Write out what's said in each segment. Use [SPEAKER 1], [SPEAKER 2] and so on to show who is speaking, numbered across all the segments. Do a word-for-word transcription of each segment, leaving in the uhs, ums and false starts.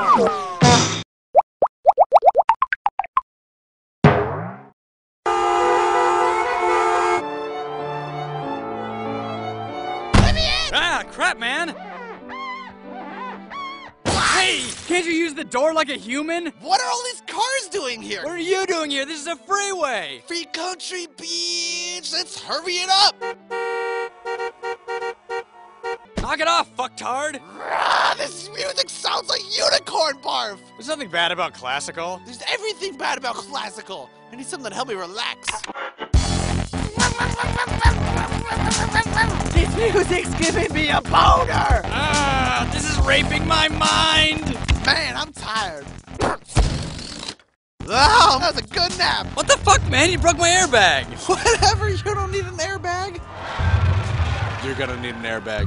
[SPEAKER 1] Ah, crap, man! Hey, can't you use the door like a human?
[SPEAKER 2] What are all these cars doing here?
[SPEAKER 1] What are you doing here? This is a freeway!
[SPEAKER 2] Free country beach! Let's hurry it up!
[SPEAKER 1] Knock it off, fucktard!
[SPEAKER 2] Rah, this music sounds like unicorn barf!
[SPEAKER 1] There's nothing bad about classical.
[SPEAKER 2] There's everything bad about classical. I need something to help me relax. This music's giving me a boner!
[SPEAKER 1] Ah, this is raping my mind!
[SPEAKER 2] Man, I'm tired. Oh, that was a good nap.
[SPEAKER 1] What the fuck, man? You broke my airbag!
[SPEAKER 2] Whatever, you don't need an airbag.
[SPEAKER 1] You're gonna need an airbag.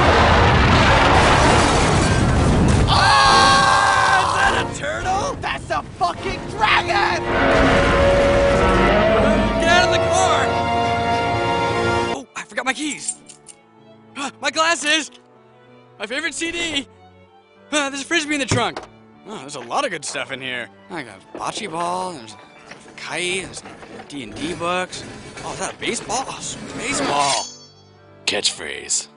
[SPEAKER 2] Oh!
[SPEAKER 1] Is that a turtle?
[SPEAKER 2] That's a fucking dragon!
[SPEAKER 1] Get out of the car! Oh, I forgot my keys. Ah, my glasses! My favorite C D! Ah, there's a frisbee in the trunk. Oh, there's a lot of good stuff in here. I got a bocce ball, there's a kite, there's D and D books. Oh, is that a baseball? Oh, sweet baseball. Catchphrase.